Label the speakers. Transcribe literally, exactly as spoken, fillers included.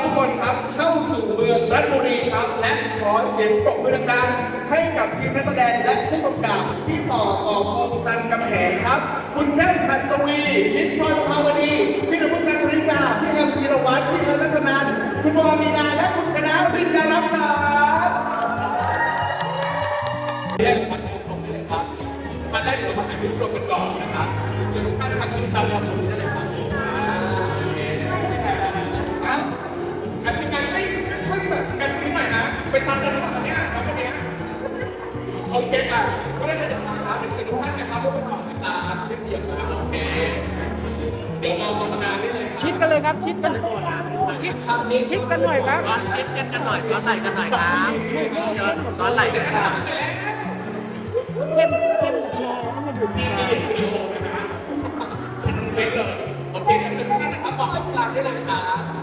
Speaker 1: กคนครับเข้าสู่เมืองราชบุรีครับและขอเสียงปรบมือดังๆให้กับทีมนักแสดงและผู้กำกับที่ต่อต่อพงษ์ตันกำแหงครับคุณแก้มขัสวีนิพนธ์ภาวดีพี่นพุ่งนัชริกาพี่แอมธีรวัฒน์พี่เอิญรัตนันท์คุณบอมีนาและคุณคณะวิญญาณรัตน์ครับเรียกมาชมรมได้เลยครับมาได้เรามาถ่ายรูปรวมกันก่อนนะครับเดี๋ยวทุกท่านพักกินตามเราสมได้เลยครับอ้าวอันนี้การไม่ช่วยแบบกันนิดหน่อยนะไปซัดกันหรือเปล่าเนี่ยครับคนนี้โอเคอ่ะก็ได้เลยนะครับเป็นเชิญทุกท่านนะครับร่วมกันก่อนนะครับเรียบเรียบนะโอเคเดี๋ยวเราตรงนาได้เลย
Speaker 2: ชิดกันเลยครับชิดกันชิดชิดกันหน่อยครับ
Speaker 3: ซ้อนชิดเช่นกันหน่อยซ้อนไหล่กันหน่อยครับซ้อนไหล่ด้วยกันครับ
Speaker 2: เข้มเข้มรอให้มันอยู่ที่
Speaker 1: ที่เด็กวิดีโอนะครับชิ้นเล็กเลยโอเคเชิญทุกท่านนะครับบอกให้กลางได้เลยนะครับ